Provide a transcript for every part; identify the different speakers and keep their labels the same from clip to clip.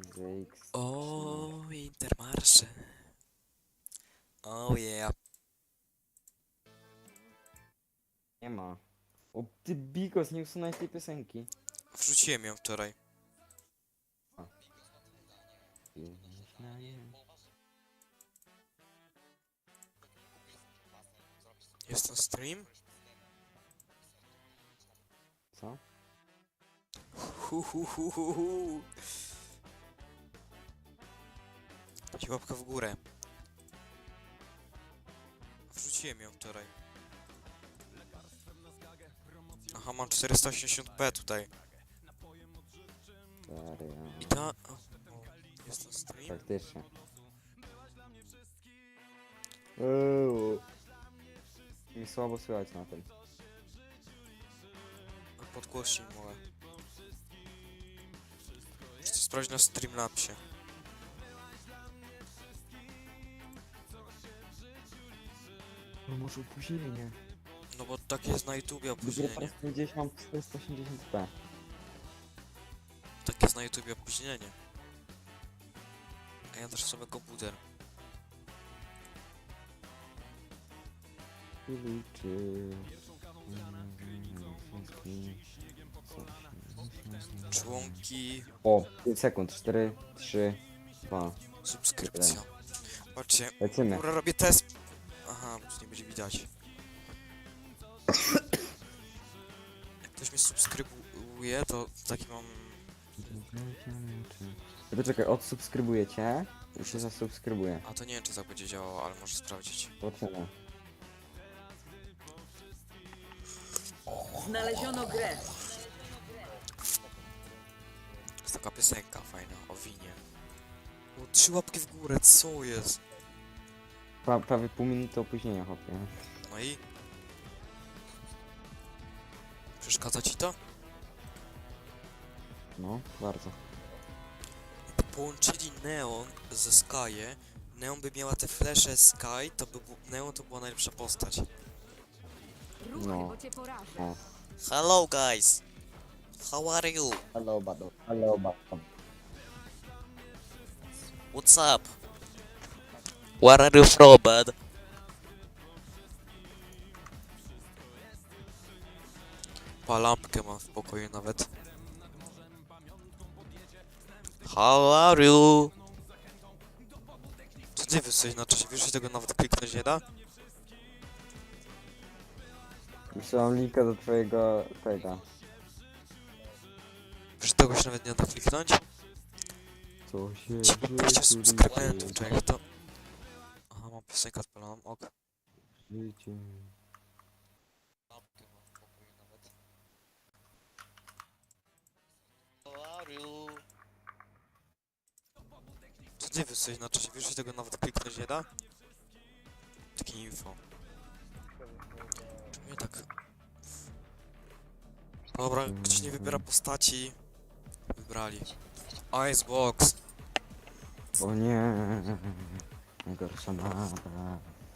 Speaker 1: ZX.
Speaker 2: O, Intermarsze. Oh yeah.
Speaker 1: Nie ma. O ty Bigos, nie usunąłeś tej piosenki.
Speaker 2: Wrzuciłem ją wczoraj. Jest to stream?
Speaker 1: Co?
Speaker 2: Hu. Dajcie łapkę w górę. Wrzuciłem ją wczoraj. Aha, mam 480p tutaj.
Speaker 1: Stary,
Speaker 2: I ta... O, jest to stream?
Speaker 1: faktycznie. Mi słabo słychać na tym.
Speaker 2: A podgłośnij mogę. Chcę sprawdzić na Streamlabsie.
Speaker 1: No może opóźnienie.
Speaker 2: No bo tak jest na YouTubie
Speaker 1: Dopiero
Speaker 2: opóźnienie.
Speaker 1: teraz gdzieś mam 480p.
Speaker 2: Tak jest na YouTubie opóźnienie. A ja też sobie komputer.
Speaker 1: Liczy.
Speaker 2: Członki,
Speaker 1: O, 5 sekund. 4, 3, 2.
Speaker 2: subskrypcja. Patrzcie,
Speaker 1: Lecimy.
Speaker 2: kurwa robię test. Aha, bo tu nie będzie widać. Jak ktoś mnie subskrybuje, to taki mam...
Speaker 1: Poczekaj, odsubskrybuję cię. I się zasubskrybuję.
Speaker 2: A to nie wiem, czy tak będzie działało, ale może sprawdzić.
Speaker 1: Zobaczymy.
Speaker 3: Znaleziono grę.
Speaker 2: Jest taka piosenka fajna o winie. O, 3 łapki w górę, co jest?
Speaker 1: Prawie pół minuty opóźnienia, chłopie.
Speaker 2: No i? Przeszkadza ci to?
Speaker 1: No, bardzo.
Speaker 2: Połączyli Neon ze Sky'e. Neon by miała te flesze Sky, to by Neon to była najlepsza postać.
Speaker 3: Ruchy,
Speaker 1: No.
Speaker 3: bo cię porażę.
Speaker 1: O.
Speaker 2: Hello guys! How are you?
Speaker 1: Hello, bado. Hello, bado.
Speaker 2: What's up? Where are you from, bud? Lampkę mam w pokoju nawet. How are you? Co ty jesteś na czasie? Wiesz, że tego nawet kliknąć nie da?
Speaker 1: Wysyłam linka do twojego tego.
Speaker 2: Wiesz, że tego się nawet nie da kliknąć?
Speaker 1: Co się
Speaker 2: 20 subskrybentów, czy jak to? Aha, mam piosenkę odpaloną, ok.
Speaker 1: Życie.
Speaker 2: Lampkę mam w pokoju nawet. How are you? Co ty jesteś na czasie? Wiesz, że tego nawet kliknąć nie da? Takie info. Czemu mnie tak... Dobra, ktoś nie wybiera postaci. Wybrali. Icebox.
Speaker 1: O nie. Najgorsza mapa.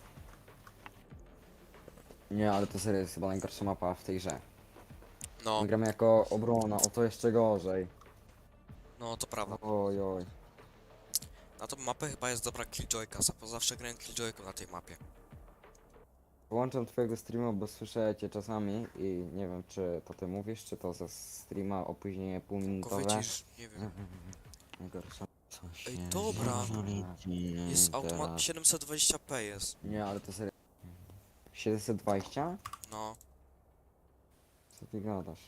Speaker 1: Nie, ale to serio jest chyba najgorsza mapa w tej grze.
Speaker 2: No,
Speaker 1: My gramy jako obrona, o to jeszcze gorzej.
Speaker 2: no to prawda.
Speaker 1: Oj, oj.
Speaker 2: Na tą mapę chyba jest dobra Killjoyka, bo zawsze grałem Killjoyką na tej mapie.
Speaker 1: Włączam twojego streama, bo słyszę cię czasami i nie wiem, czy to ty mówisz, czy to ze streama opóźnienie
Speaker 2: Tylko
Speaker 1: półminutowe.
Speaker 2: wycisz, nie wiem.
Speaker 1: Najgorsza. Co
Speaker 2: Ej,
Speaker 1: się
Speaker 2: dobra.
Speaker 1: dzieje
Speaker 2: Jest automat
Speaker 1: teraz?
Speaker 2: 720p jest.
Speaker 1: Nie, ale to serio. 720?
Speaker 2: No.
Speaker 1: Co ty gadasz?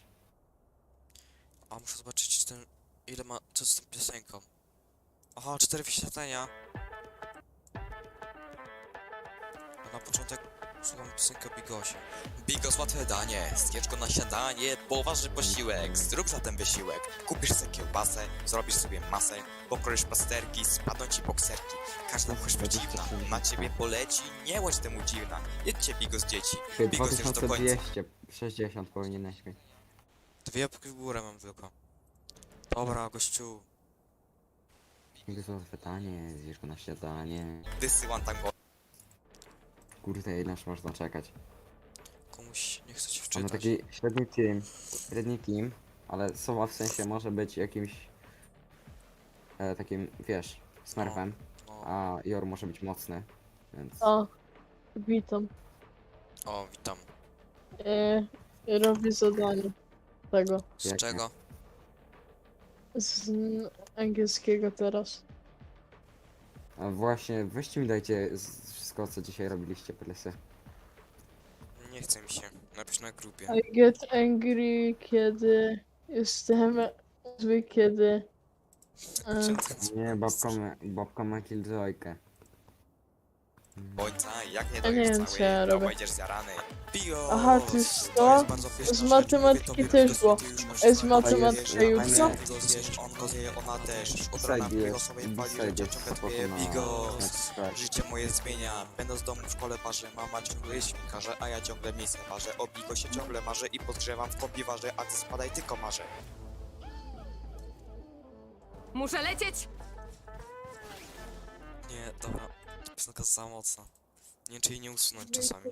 Speaker 2: A muszę zobaczyć, czy ten... Ile ma... Co z tą piosenką? Aha, 4 wyświetlenia. A na początek słucham piosenkę o Bigosie.
Speaker 4: Bigos łatwe danie, zjedz go na śniadanie, poważny posiłek, zrób zatem wysiłek. Kupisz sobie kiełbasę, zrobisz sobie masę, pokroisz pasterki, spadną ci bokserki. Każda choćby dziwna, na ciebie poleci, nie łódź temu dziwna. Jedźcie Bigos dzieci, Bigos już do końca.
Speaker 1: 2260 powinieneś mieć.
Speaker 2: 2 łapki w górę mam tylko. Dobra, gościu.
Speaker 1: Bigos łatwe danie, zjesz go na śniadanie.
Speaker 4: Wysyłam tam go.
Speaker 1: Kurde, ile już można czekać?
Speaker 2: Komuś nie chce się
Speaker 1: Mamy
Speaker 2: wczytać.
Speaker 1: taki średni team, ale Sowa w sensie może być jakimś takim, wiesz, smurfem,
Speaker 2: No.
Speaker 1: a Jor może być mocny, więc...
Speaker 5: A, witam.
Speaker 2: O, witam.
Speaker 5: Robię zadanie tego.
Speaker 2: Z
Speaker 1: Jakie?
Speaker 2: czego?
Speaker 5: Z angielskiego teraz.
Speaker 1: A właśnie, weźcie mi dajcie wszystko, co dzisiaj robiliście, plesy.
Speaker 2: Nie chce mi się. Napisz na grupie.
Speaker 5: I get angry, kiedy jestem zły, kiedy...
Speaker 1: Nie, babka ma killjoykę.
Speaker 4: Ojca, jak nie
Speaker 5: Ja nie
Speaker 4: dojesz
Speaker 5: wiem, co ja
Speaker 4: całej, to
Speaker 5: robię.
Speaker 4: będziesz zjarany. Bios!
Speaker 5: Aha, to jest to?
Speaker 4: jest bardzo pyszna
Speaker 5: Z
Speaker 4: rzecz.
Speaker 5: matematyki
Speaker 4: Mówię tobie,
Speaker 5: też
Speaker 4: Bigos,
Speaker 5: było.
Speaker 4: ty już masz
Speaker 5: Z
Speaker 4: smak.
Speaker 5: matematyki
Speaker 4: Wiesz,
Speaker 5: jutro?
Speaker 4: ty go zjesz, on go zje, ona też. Od rana
Speaker 1: Biside
Speaker 4: Bigos sobie pali, że
Speaker 1: jest
Speaker 4: ciągle
Speaker 1: spoko
Speaker 4: twoje
Speaker 1: na...
Speaker 4: Bigos.
Speaker 1: na
Speaker 4: Życie moje zmienia, będąc z domu w szkole parzę. Mama ciągle jest świnkarze, a ja ciągle miejsce parzę. O Bigosie ciągle marzę i podgrzewam w kombiwarze, a ty spadaj tylko marzę.
Speaker 3: Muszę lecieć!
Speaker 2: Nie, dobra. Ta piosenka jest za mocna. Nie wiem, czy jej nie usunąć czasami.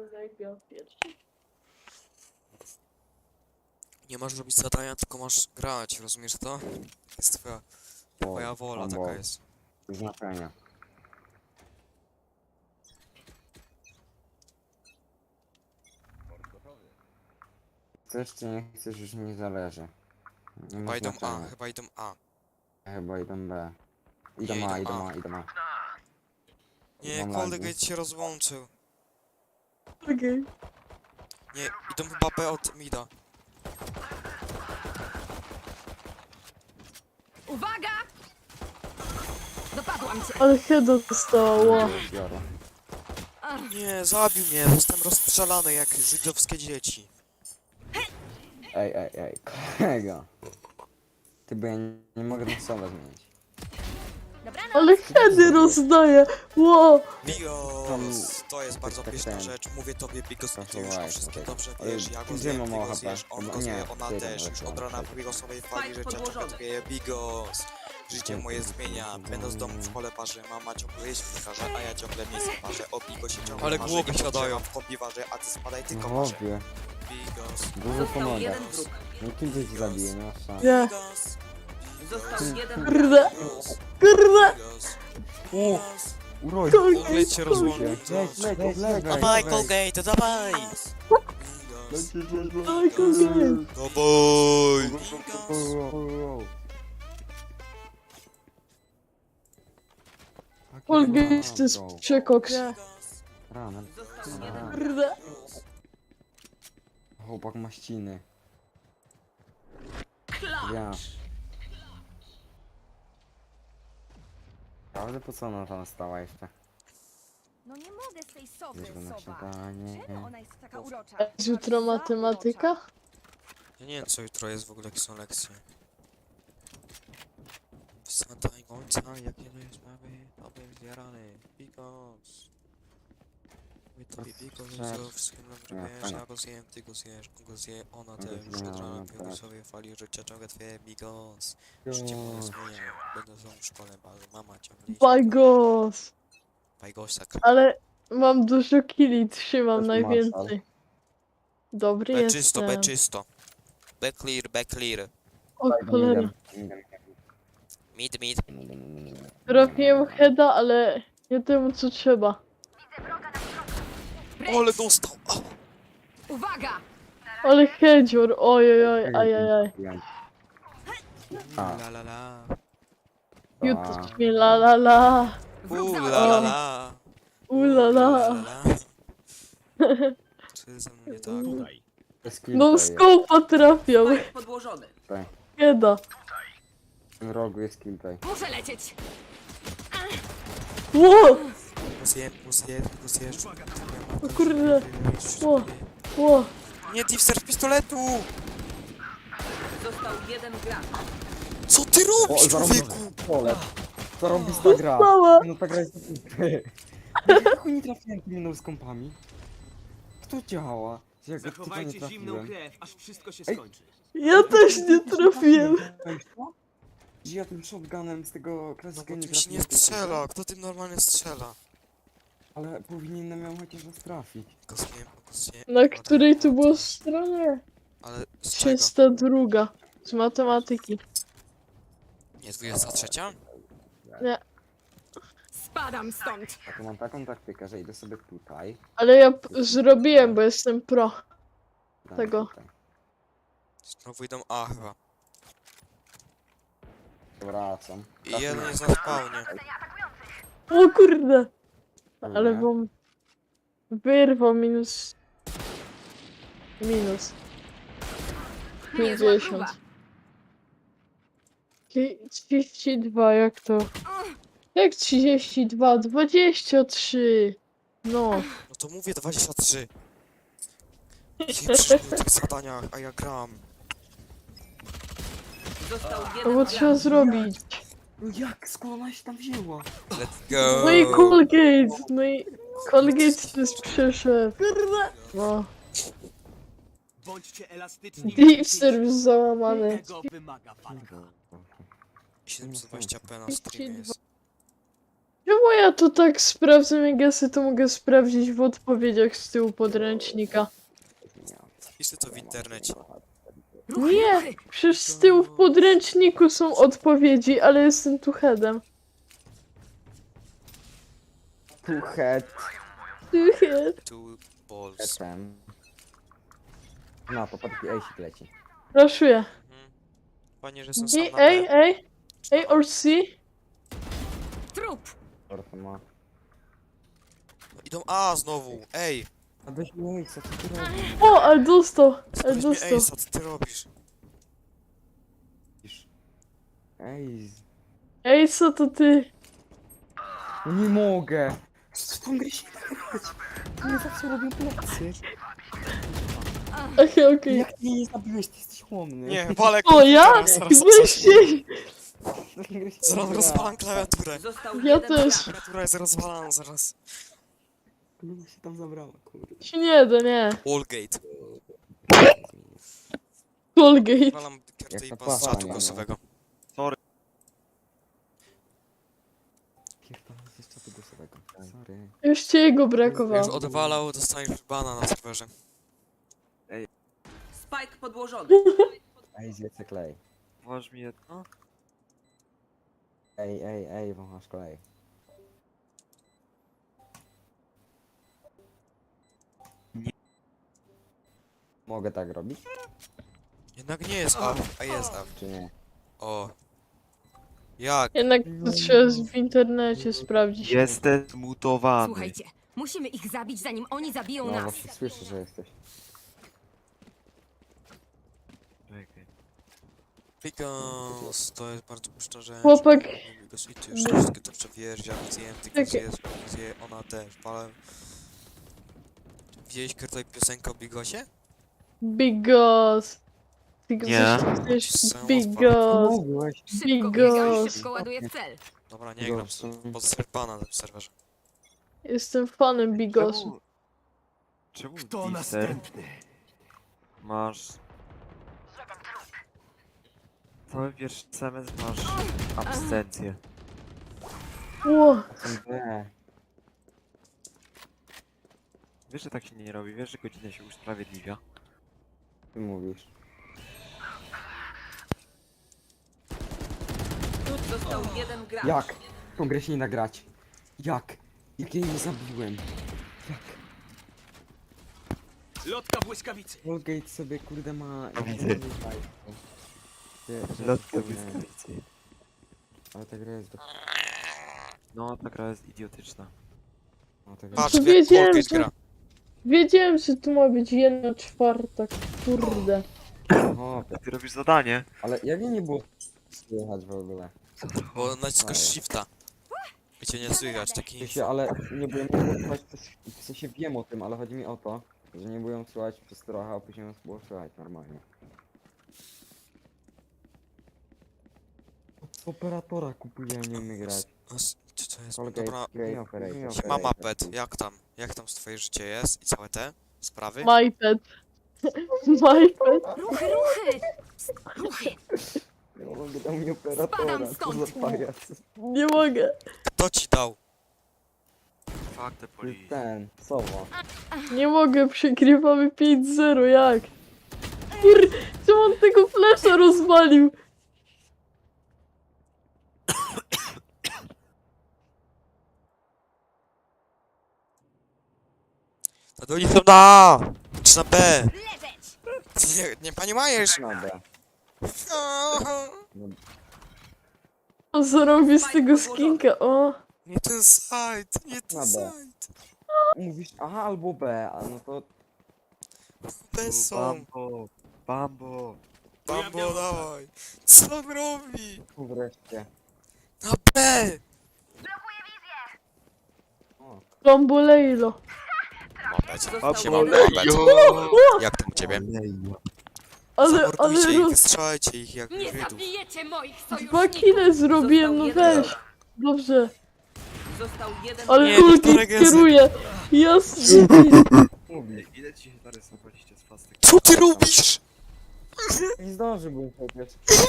Speaker 2: Nie masz robić zadania, tylko masz grać, rozumiesz to? Jest twoja wola, taka jest.
Speaker 1: Znaczenia. Chcesz czy nie chcesz, już nie zależy. Nie ma
Speaker 2: Chyba idą A,
Speaker 1: znaczenia.
Speaker 2: chyba idą A.
Speaker 1: Chyba idą B.
Speaker 2: Nie,
Speaker 1: Idą A,
Speaker 2: idą
Speaker 1: idą
Speaker 2: A.
Speaker 1: A, idą A.
Speaker 2: Nie,
Speaker 1: Mam
Speaker 2: Coldgate się rozłączył.
Speaker 5: Okej.
Speaker 2: Nie, idą chyba B od mida.
Speaker 3: Uwaga! Dopadłam cię!
Speaker 5: Ale heada dostała.
Speaker 1: Biorę.
Speaker 2: Nie, zabił mnie, zostałem rozstrzelany jak żydowskie dzieci.
Speaker 1: Ej, kolego. Ty, bo ja nie mogę na słowa zmienić.
Speaker 3: Dobranoc!
Speaker 5: Ale heady rozdaje. Ło!
Speaker 2: Bigos, to jest bardzo
Speaker 1: tak,
Speaker 2: pyszna
Speaker 1: ten.
Speaker 2: rzecz, mówię tobie Bigos,
Speaker 1: Proszę
Speaker 2: ty już o
Speaker 1: łajka,
Speaker 2: wszystkim
Speaker 1: tak.
Speaker 2: dobrze
Speaker 1: Ale
Speaker 2: wiesz, ja go
Speaker 1: gdzie
Speaker 2: zjem,
Speaker 1: mam
Speaker 2: ty go
Speaker 1: ochotę?
Speaker 2: zjesz, on
Speaker 1: Chyba
Speaker 2: go zje,
Speaker 1: nie,
Speaker 2: ona
Speaker 1: ty
Speaker 2: też,
Speaker 1: tam
Speaker 2: już
Speaker 1: wreszcie
Speaker 2: od rana
Speaker 1: mam
Speaker 2: Bigosowej fali,
Speaker 3: Fight
Speaker 2: że cię
Speaker 3: podłożony.
Speaker 2: czekuje Bigos. Życie moje zmienia, będąc z domu w szkole parzy, mama ciągle jest świnkarze, a ja ciągle miejsce parzę, o Bigosie ciągle Ale
Speaker 4: marzę
Speaker 2: głowy
Speaker 4: i
Speaker 2: siadają.
Speaker 4: podgrzewam w kombiwarze, a ty spadaj tylko marzę.
Speaker 1: Chłopie,
Speaker 2: Bigos,
Speaker 1: dużo
Speaker 3: Został
Speaker 1: pomaga.
Speaker 3: jeden wróg.
Speaker 1: No kim ci zabije, nie masz szans.
Speaker 5: Nie.
Speaker 2: Bigos,
Speaker 3: Został jeden
Speaker 5: Kurde.
Speaker 2: Bigos,
Speaker 5: Kurde.
Speaker 2: Bigos,
Speaker 1: O,
Speaker 2: Bigos.
Speaker 1: uroj.
Speaker 2: Coldgate się rozłączył.
Speaker 1: Leć, lewej.
Speaker 2: Dawaj, Colgate, dawaj!
Speaker 1: Lecisz,
Speaker 5: Dawaj, Colgate.
Speaker 2: Dawaj!
Speaker 5: Colgate to jest przekoks.
Speaker 1: Rana.
Speaker 3: Został jeden wróg.
Speaker 5: Kurde.
Speaker 1: Chłopak ma ściny.
Speaker 3: Klacz!
Speaker 1: Ja. Prawda, po co ona tam stała jeszcze?
Speaker 6: No nie mogę z tej sowy,
Speaker 1: Bierz go na
Speaker 6: sowa.
Speaker 1: śniadanie.
Speaker 6: Czemu ona jest taka urocza?
Speaker 5: Jest jutro matematyka?
Speaker 2: Ja nie wiem co jutro jest w ogóle, jakie są lekcje. Wsadaj ojca, jak nie dajesz mamy, to będziesz zjarany. Bigos. My tobie Bigos, co wszystkim dobrze wiesz, ja go zjem, ty go zjesz, on go zje, ona też. Już od rana Bigosowie fali, że cię ciągle twoje Bigos. Życie moje zmienia, będę znowu w szkole bazy, mama ciągle iść.
Speaker 5: Bajgos.
Speaker 2: Bajgosak.
Speaker 5: Ale mam dużo killi, trzymam
Speaker 1: To jest
Speaker 5: najwięcej. Dobry
Speaker 2: B czysto, B
Speaker 5: jestem.
Speaker 2: czysto. B clear, B clear.
Speaker 5: O cholera.
Speaker 2: Mid, mid.
Speaker 5: Trafiłem heada, ale nie temu co trzeba.
Speaker 2: Ole dostał! A!
Speaker 3: Uwaga!
Speaker 5: Ale headzior, ojojoj, ajajaj.
Speaker 1: A,
Speaker 2: La la la.
Speaker 5: Jutro mi la la la.
Speaker 3: Wróg
Speaker 2: La
Speaker 3: zaatakował.
Speaker 2: la la.
Speaker 5: Ula la.
Speaker 2: Co jest ze mną nie tak?
Speaker 5: No skopa trafiał.
Speaker 3: Fight podłożony.
Speaker 5: Heada.
Speaker 1: W tym rogu jest kill tutaj.
Speaker 3: Muszę lecieć!
Speaker 5: Ło!
Speaker 2: Plus jest.
Speaker 5: O kurde. Ło. Ło.
Speaker 2: Nie, Diffser z pistoletu!
Speaker 3: Został jeden gracz.
Speaker 2: Co ty robisz, człowieku?
Speaker 1: Pole. Co robisz ta gra?
Speaker 5: Mała.
Speaker 1: No ta gra jest jak nie trafiłem tymi no-skąpami? Kto działa? Jak w typa nie
Speaker 7: Zachowajcie zimną
Speaker 1: trafiłem?
Speaker 7: krew, aż wszystko się
Speaker 1: Ej.
Speaker 7: skończy.
Speaker 5: Ja też nie trafiłem.
Speaker 1: Że ja tym shotgunem z tego
Speaker 2: No
Speaker 1: klasyka
Speaker 2: bo
Speaker 1: nie
Speaker 2: tym się nie
Speaker 1: trafiłem.
Speaker 2: strzela, kto tym normalnie strzela?
Speaker 1: Ale powinienem ją chociaż raz trafić.
Speaker 2: Go zjem.
Speaker 5: Na której tu było stronie?
Speaker 2: Ale z czego?
Speaker 5: 302. Z matematyki.
Speaker 2: Nie, 23?
Speaker 3: Spadam stąd.
Speaker 1: A to mam taką taktykę, że idę sobie tutaj.
Speaker 5: Ale ja zrobiłem, bo jestem pro.
Speaker 1: dam
Speaker 5: Tego.
Speaker 1: Tutaj.
Speaker 2: Znowu idą A chyba.
Speaker 1: Wracam.
Speaker 2: I jeden jest na spawnie.
Speaker 5: O kurde! Ale
Speaker 1: Nie.
Speaker 5: wam wyrwał minus. Minus.
Speaker 3: Niezła
Speaker 5: 50.
Speaker 3: próba.
Speaker 5: 32, jak to? Jak 32? 23! No.
Speaker 2: No to mówię 23. Nie przyszły w tych zadaniach, a ja gram.
Speaker 3: Został
Speaker 5: No
Speaker 3: jeden
Speaker 5: bo
Speaker 3: gracz.
Speaker 5: trzeba zrobić.
Speaker 1: No jak? Skąd ona się tam wzięła?
Speaker 2: Let's go!
Speaker 5: No i Colgate! No i Colgate też przyszedł. No.
Speaker 7: Bądźcie elastyczni.
Speaker 5: Deep service załamany.
Speaker 7: Tego wymaga walka.
Speaker 2: 720p na streamie jest.
Speaker 5: Czemu ja to tak sprawdzam, jak ja sobie to mogę sprawdzić w odpowiedziach z tyłu podręcznika?
Speaker 2: Wpiszę to w internecie.
Speaker 3: Ruchy,
Speaker 5: Nie!
Speaker 3: ruchy.
Speaker 5: Przecież z tyłu w podręczniku są odpowiedzi, ale jestem tu headem.
Speaker 1: Tu head.
Speaker 2: Two balls.
Speaker 1: Headem. No, to pod ejsik leci.
Speaker 5: Raszuję.
Speaker 2: Mhm. Fajnie, że jestem sam na
Speaker 5: Ej,
Speaker 2: B.
Speaker 5: ej! Ej, or C?
Speaker 3: Trup.
Speaker 1: Torto ma.
Speaker 2: No, idą A znowu, ej!
Speaker 1: A weź mi ejsa, co ty robisz?
Speaker 5: O, ale dostał! Ale
Speaker 2: Weź mnie
Speaker 5: dostał.
Speaker 2: Ace'a, co ty robisz?
Speaker 1: Ej,
Speaker 5: Ej, co to ty?
Speaker 1: no nie mogę! Z tą grę się tak grać! Nie zawsze robię plecy.
Speaker 5: Okej.
Speaker 1: Jak ty nie zabiłeś, ty jesteś chłonny.
Speaker 2: Nie, walę
Speaker 5: O, ja? Weźcie!
Speaker 2: Zaraz rozwalam klawiaturę.
Speaker 3: Został
Speaker 5: Ja
Speaker 3: jeden
Speaker 5: też.
Speaker 3: gracz.
Speaker 2: Klawiatura jest rozwalana zaraz.
Speaker 1: Kluba się tam zabrała, kurde.
Speaker 5: Się nie da, nie.
Speaker 2: Wallgate.
Speaker 5: Colgate.
Speaker 2: Walam
Speaker 1: Jak
Speaker 2: kartę
Speaker 1: to
Speaker 2: i z czatu
Speaker 1: pachnie,
Speaker 2: głosowego.
Speaker 1: Pierdolę, z czatu głosowego. Sorry.
Speaker 5: Już ci jego
Speaker 2: Jak
Speaker 5: brakowało.
Speaker 2: odwalał, dostaniesz bana na serwerze.
Speaker 3: Spike podłożony.
Speaker 1: Ej, zjedzę klej.
Speaker 8: Masz mi jedno?
Speaker 1: Ej, wąchasz klej. Mogę tak robić,
Speaker 2: Jednak nie jest A, a jest A.
Speaker 1: czy nie?
Speaker 2: O. Jak?
Speaker 5: Jednak to trzeba w internecie sprawdzić.
Speaker 8: Jestem zmutowany.
Speaker 6: Słuchajcie, musimy ich zabić, zanim oni zabiją
Speaker 1: No
Speaker 6: nas.
Speaker 1: właśnie słyszę, że jesteś.
Speaker 8: Czekaj.
Speaker 2: Because to jest bardzo puszcza rzecz.
Speaker 5: Chłopak.
Speaker 2: Because i ty już te wszystkie to przewierzia, zjem, tylko
Speaker 5: Czekaj.
Speaker 2: zje, ona też, ale... Widziałeś tutaj piosenkę o Bigosie?
Speaker 5: Bigos. Tylko
Speaker 8: Nie.
Speaker 5: coś
Speaker 2: Są
Speaker 5: Bigos.
Speaker 1: Mogłeś.
Speaker 3: Szybko
Speaker 5: Bigos.
Speaker 3: biegam, szybko ładuję w cel.
Speaker 2: Dobra, nie gram, pod serpana na tym serwerze.
Speaker 5: Jestem fanem Bigosu.
Speaker 8: Czemu
Speaker 7: Kto
Speaker 8: Deezer
Speaker 7: następny?
Speaker 8: masz... Cały pierwszy semestr masz absencję.
Speaker 5: Ło.
Speaker 1: B.
Speaker 8: Wiesz, że tak się nie robi, wiesz, że godzina się usprawiedliwia.
Speaker 1: Ty mówisz.
Speaker 3: Został jeden gracz.
Speaker 1: Jak? Tą grę się nie nagrać. Jak? Jak jej nie zabiłem? Jak?
Speaker 7: Lotka błyskawicy.
Speaker 1: Colgate sobie kurde ma...
Speaker 8: Widzę. Lotka błyskawicy.
Speaker 1: Ale ta gra jest do...
Speaker 8: No, ta gra jest idiotyczna.
Speaker 1: No, ta gra...
Speaker 2: Patrz,
Speaker 5: To
Speaker 2: jak
Speaker 5: wiedziałem,
Speaker 2: Colgate
Speaker 5: że-
Speaker 2: gra.
Speaker 5: Wiedziałem, że tu ma być 1/4. Kurde.
Speaker 1: O,
Speaker 8: Ty robisz zadanie.
Speaker 1: ale jak jej nie było słychać w ogóle?
Speaker 2: Bo naciskasz shifta. I cię nie słychać,
Speaker 1: W
Speaker 2: taki...
Speaker 1: sensie, ale nie byłem słychać w sensie wiem o tym, ale chodzi mi o to, że nie byłem słychać przez trochę, a później nas było słychać normalnie. Operatora kupuję, nie umiem grać.
Speaker 2: Co to jest?
Speaker 1: Colgate,
Speaker 2: Dobra,
Speaker 1: Grey Operator.
Speaker 2: siema Mapet, jak tam? Jak tam twoje życie jest i całe te sprawy?
Speaker 5: MyPad. MyPad.
Speaker 6: Ruchy, ruchy! Ruchy!
Speaker 1: Nie mogę dał mi operatora, co za
Speaker 6: stąd.
Speaker 1: pajac.
Speaker 5: Nie mogę.
Speaker 2: Kto ci dał?
Speaker 8: Fuck the
Speaker 1: To jest
Speaker 8: police.
Speaker 1: ten, Sowa.
Speaker 5: Nie mogę, przegrywamy 5-0, jak? Czemu on tego flesza rozwalił?
Speaker 2: No i to na! Czy na B?
Speaker 6: Leżeć!
Speaker 4: Nie, pani Majesz!
Speaker 1: Na B.
Speaker 5: O, zrobię z tego skinka, o.
Speaker 4: Nie ten site, nie ten
Speaker 1: Na B.
Speaker 4: site.
Speaker 1: Mówisz A albo B, a no to
Speaker 4: Te są.
Speaker 8: Bambo! Bambo!
Speaker 4: Bambo, dawaj. Co on robi?
Speaker 1: wreszcie.
Speaker 4: Na B!
Speaker 1: O,
Speaker 5: Bambolejlo.
Speaker 3: Został
Speaker 4: Siema,
Speaker 3: jeden
Speaker 4: jak tam u ciebie?
Speaker 5: Ale
Speaker 4: Zamordujcie ich,
Speaker 5: roz...
Speaker 4: wystrzelajcie ich jak
Speaker 6: Nie
Speaker 4: Żydów.
Speaker 6: zabijecie moich
Speaker 5: Dwa
Speaker 6: sojuszników!
Speaker 5: kile zrobiłem, no
Speaker 3: Został jeden
Speaker 5: weź. Dobrze.
Speaker 3: Został jeden
Speaker 5: Ale
Speaker 4: Nie,
Speaker 5: ulti
Speaker 4: Wiktorek jest-
Speaker 5: kieruje. Jasne.
Speaker 1: mówi.
Speaker 8: Ile ci się narysowaliście z fastek?
Speaker 4: Co ty robisz?
Speaker 1: Nie zdążyłbym przecież.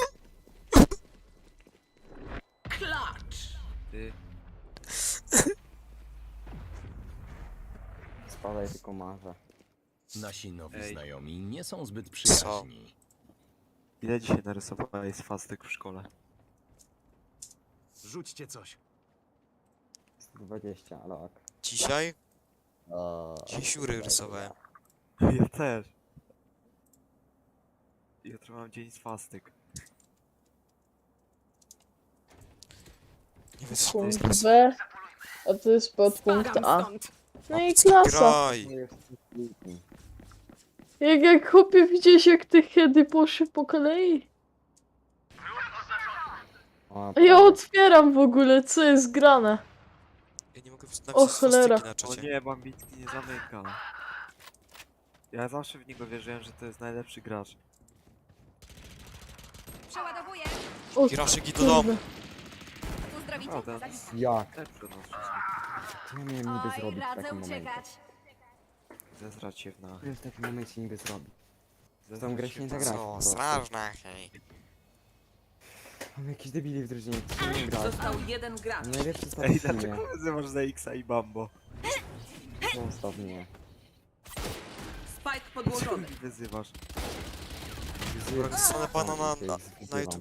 Speaker 3: klacz.
Speaker 8: Ty.
Speaker 1: Spadaj tylko marze.
Speaker 9: Nasi nowi
Speaker 8: Ej.
Speaker 9: znajomi nie są zbyt przyjaźni.
Speaker 8: Ile dzisiaj narysowałeś z fastek w szkole?
Speaker 7: Rzućcie coś.
Speaker 1: 120, ale ok.
Speaker 4: Dzisiaj? Dzisiaj siury rysowałem.
Speaker 8: Ja też. Jutro mam dzień z fastek.
Speaker 4: Nie wytrzymam
Speaker 5: Punkt
Speaker 4: stresu.
Speaker 5: B. A to jest podpunkt
Speaker 3: Spadam
Speaker 5: A.
Speaker 3: stąd.
Speaker 5: No i klasa.
Speaker 4: Graj.
Speaker 1: No jest lutni.
Speaker 5: Jak chłopie widziałeś jak te heady poszły po kolei?
Speaker 1: O,
Speaker 5: A ja otwieram w ogóle, co jest grane?
Speaker 4: Ja nie mogę
Speaker 5: O,
Speaker 4: napisać
Speaker 5: cholera.
Speaker 4: swastyki na
Speaker 8: O
Speaker 4: czacie.
Speaker 8: nie, Bambicki nie zamyka. Ja zawsze w niego wierzyłem, że to jest najlepszy gracz.
Speaker 6: Przeładowuję!
Speaker 5: O,
Speaker 4: Hiraszyki do domu.
Speaker 5: kurde.
Speaker 6: Uzdrowicie?
Speaker 8: Prawda.
Speaker 6: Zabijcie.
Speaker 1: Jak?
Speaker 8: Lepszy od nas wszystkich.
Speaker 1: Co ja miałem niby
Speaker 6: Oj,
Speaker 1: zrobić w
Speaker 6: radzę
Speaker 1: takim momencie?
Speaker 6: uciekać.
Speaker 8: Zezrać się w na...
Speaker 1: Co ja w takim momencie niby zrobić?
Speaker 8: Zezrać
Speaker 1: grę
Speaker 8: się
Speaker 1: się nie
Speaker 8: w
Speaker 1: da
Speaker 8: na-
Speaker 1: grać.
Speaker 4: Co, strażna, hej.
Speaker 1: Mam jakiś debili w drużynie, co nie gra.
Speaker 3: Został jeden gracz.
Speaker 1: Najlepszy staw
Speaker 8: Ej,
Speaker 1: w teamie.
Speaker 8: dlaczego wyzywasz za Xa i Bambo?
Speaker 1: Zostaw mnie.
Speaker 3: Spike
Speaker 8: Co
Speaker 3: podłożony.
Speaker 8: mi wyzywasz?
Speaker 4: Zostanę pana na
Speaker 1: Okej,
Speaker 4: YouTube.